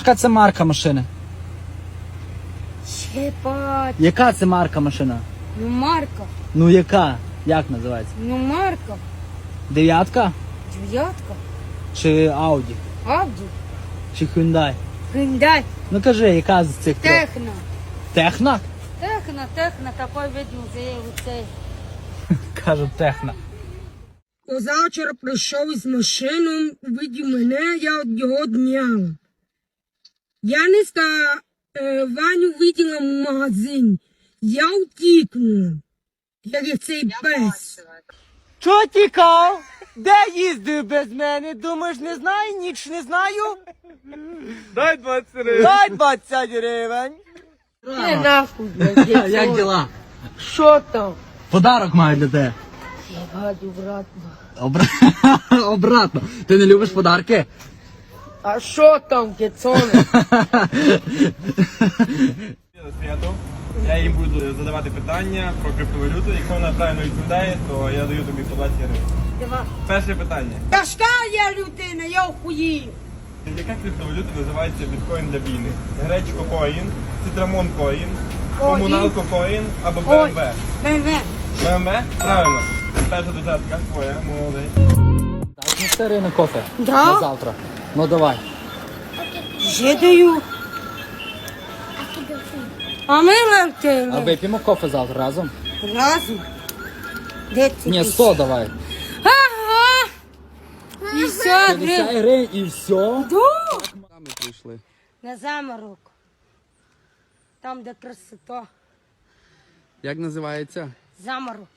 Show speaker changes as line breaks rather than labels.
яка це марка машини?
Чепать.
Яка це марка машина?
Ну Марка.
Ну яка? Як називається?
Ну Марка.
Дев'ятка?
Дев'ятка.
Чи Ауді?
Абді.
Чи Hyundai?
Hyundai.
Ну кажи, яка з цих трьох?
Техно.
Техна?
Техно, такой вид музею цей.
Кажу, техна.
Позавчора прийшов із машиною, увидів мене, я від його дняла. Яниска Ваню виділа в магазині. Я втікнула, як цей пес.
Чого тікав? Де їздив без мене? Думаєш, не знаю, ніч не знаю?
Дай 20 гривень.
Дай 20 гривень.
Не нахуй, блядь.
Як діла?
Що там?
Подарок маю для тебе.
Єбать, обратно.
Обратно. Ти не любиш подарки?
А що там, кецоне?
Свято. Я їм буду задавати питання про криптовалюту. Якщо вона правильно відповідає, то я даю тобі по 20 гривень.
Давай.
Перше питання.
Тяжка я людина, я охуїв.
Яка криптовалюта називається біткоін для війни? Гречко коїн, цитрамон коїн, комуналко коїн або БМВ?
БМВ.
БМВ? Правильно. Перша десятка твоя, молодець.
Так, ну старий на кофе.
Да?
На завтра. Ну давай.
Вже даю. А ми
А
летимо.
вип'ємо кофе завтра разом?
Разом. Де ти?
Ні, 100 давай.
Ага. 50 гривень.
50 гривень і все. Ми прийшли.
На заморок. Там, де красота.
Як називається?
Заморок.